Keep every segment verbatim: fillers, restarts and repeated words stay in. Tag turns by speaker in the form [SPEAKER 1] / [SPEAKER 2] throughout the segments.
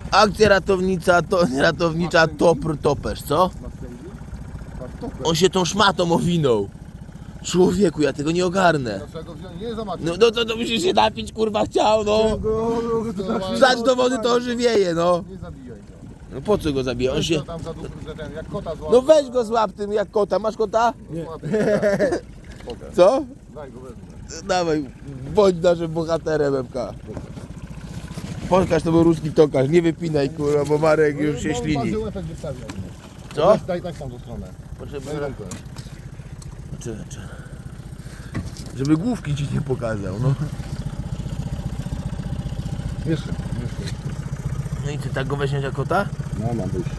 [SPEAKER 1] Akcja ratownicza, to ratownicza Topr Topesz, co? On się tą szmatą owinął. Człowieku, ja tego nie ogarnę. No, no to, to musisz się napić, kurwa, chciał, no. Wsadź do wody, to ożywieje, no.
[SPEAKER 2] Nie zabijaj go.
[SPEAKER 1] No po co go zabija? On się...
[SPEAKER 2] Tam za duży, że ten, jak kota złapie.
[SPEAKER 1] No weź go złap tym jak kota. Masz kota?
[SPEAKER 2] Nie.
[SPEAKER 1] Co?
[SPEAKER 2] Daj go wezmę.
[SPEAKER 1] Dawaj, bądź naszym bohaterem M K. Pokaż to był ruski tokarz, nie wypinaj, kurwa, bo Marek już się ślini. Co?
[SPEAKER 2] Daj tak tam do stronę.
[SPEAKER 1] Potrzeba...
[SPEAKER 2] Daj rękę.
[SPEAKER 1] Czy, czy. Żeby główki ci nie pokazał, no.
[SPEAKER 2] Jeszcze, jeszcze.
[SPEAKER 1] No i ty tak go weźmiesz jak kota?
[SPEAKER 2] No mam wyjście.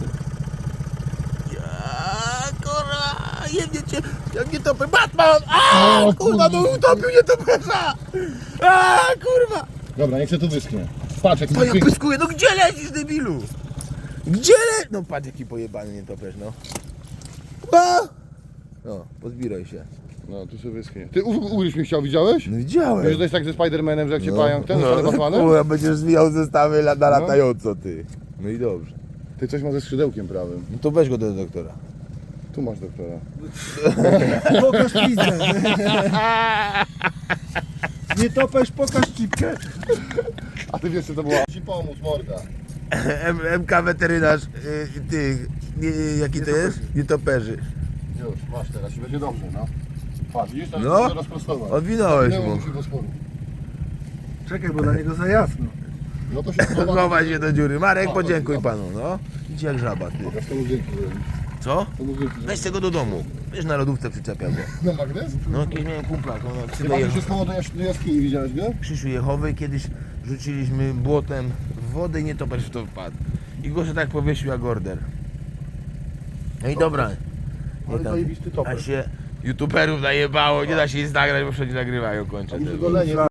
[SPEAKER 1] Ja, kurwa, jebnie cię, jak nie topy, Batman! A, kurwa, no utopił nie toperza! A, kurwa!
[SPEAKER 2] Dobra, niech się tu wyschnie. Patrz jak
[SPEAKER 1] To ja pyskuję, no gdzie lecisz, debilu? Gdzie le... No patrz jaki pojebany nie topesz, no. A! No, pozbieraj się.
[SPEAKER 2] No, tu się wyschnie. Ty u- ugryź mi chciał, widziałeś?
[SPEAKER 1] No
[SPEAKER 2] Wiesz,
[SPEAKER 1] widziałem.
[SPEAKER 2] to jest tak ze Spidermanem, że jak cię
[SPEAKER 1] No,
[SPEAKER 2] pająk ten, no,
[SPEAKER 1] no,
[SPEAKER 2] Batmanem?
[SPEAKER 1] kurwa, będziesz zwijał zestawy na latająco, ty. No i dobrze.
[SPEAKER 2] Ty coś ma ze skrzydełkiem prawym.
[SPEAKER 1] No to weź go do doktora.
[SPEAKER 2] Tu masz doktora.
[SPEAKER 3] Pokaż pizzę. Nie topesz, pokaż cipkę.
[SPEAKER 2] A ty wiesz co to było? Ci pomóc, morda.
[SPEAKER 1] M MK weterynarz, y, ty, nie, jaki to jest? Nietoperzy.
[SPEAKER 2] Już, masz teraz i będzie dobrze, no. Patrz, widzisz, tam
[SPEAKER 1] No.
[SPEAKER 2] no. rozprostować.
[SPEAKER 1] Odwinąłeś
[SPEAKER 2] Nie
[SPEAKER 1] mu.
[SPEAKER 2] mu się Bosporu.
[SPEAKER 3] Czekaj, bo dla niego za jasno.
[SPEAKER 2] No to się schowa.
[SPEAKER 1] Chować się do dziury. Marek, podziękuj panu, no. Idź jak żaba, ty.
[SPEAKER 2] Pokaż to mu dzięki.
[SPEAKER 1] Co?
[SPEAKER 2] To mu dzięki.
[SPEAKER 1] Weź tego do domu. Wiesz, na lodówce przyczepiał go.
[SPEAKER 2] No magnes?
[SPEAKER 1] No, kiedyś miałem kumpla, no,
[SPEAKER 2] Chyba
[SPEAKER 1] Krzywej
[SPEAKER 2] że się schował do, jas do jaskini, widziałeś go?
[SPEAKER 1] Krzysiu Jehowy, kiedyś rzuciliśmy błotem w wodę i nietoperz w to wpadł. I go się tak powiesił jak order. No i dobra. Nie
[SPEAKER 2] Ale
[SPEAKER 1] tam,
[SPEAKER 2] zajebisty
[SPEAKER 1] a
[SPEAKER 2] toper.
[SPEAKER 1] się youtuberów najebało, nie da się nic nagrać, bo wszędzie nagrywają, kończę.
[SPEAKER 2] Golenie